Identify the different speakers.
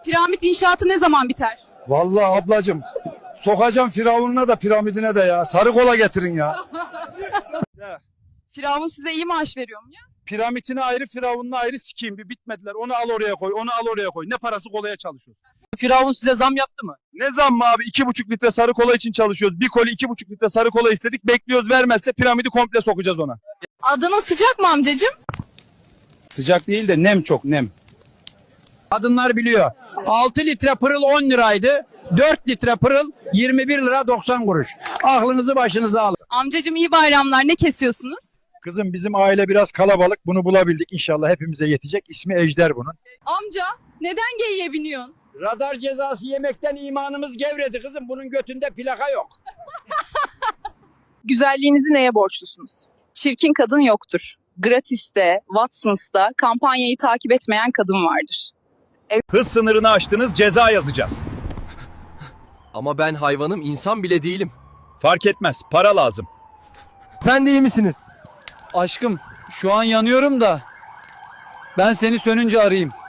Speaker 1: Piramit inşaatı ne zaman biter?
Speaker 2: Vallahi ablacığım sokacağım Firavun'una da piramidine de ya. Sarı kola getirin ya.
Speaker 1: Firavun size iyi maaş veriyor mu ya?
Speaker 2: Piramitine ayrı, Firavun'una ayrı sikeyim. Bir bitmediler. Onu al oraya koy, onu al oraya koy. Ne parası kolaya çalışıyoruz.
Speaker 3: Firavun size zam yaptı mı?
Speaker 2: Ne zammı abi? 2,5 litre sarı kola için çalışıyoruz. Bir koli 2,5 litre sarı kola istedik. Bekliyoruz, vermezse piramidi komple sokacağız ona.
Speaker 1: Adana sıcak mı amcacığım?
Speaker 2: Sıcak değil de nem çok, nem.
Speaker 4: Kadınlar biliyor. 6 litre pırıl 10 liraydı. 4 litre pırıl 21 lira 90 kuruş. Aklınızı başınıza alın.
Speaker 1: Amcacığım iyi bayramlar. Ne kesiyorsunuz?
Speaker 2: Kızım bizim aile biraz kalabalık. Bunu bulabildik. İnşallah hepimize yetecek. İsmi Ejder bunun.
Speaker 1: Amca neden geyiğe biniyorsun?
Speaker 4: Radar cezası yemekten imanımız gevredi kızım. Bunun götünde plaka yok.
Speaker 1: Güzelliğinizi neye borçlusunuz? Çirkin kadın yoktur. Gratis'te, Watsons'ta kampanyayı takip etmeyen kadın vardır.
Speaker 5: Hız sınırını aştınız, ceza yazacağız.
Speaker 6: Ama ben hayvanım, insan bile değilim.
Speaker 5: Fark etmez, para lazım.
Speaker 3: Efendi iyi misiniz? Aşkım şu an yanıyorum da ben seni sönünce arayayım.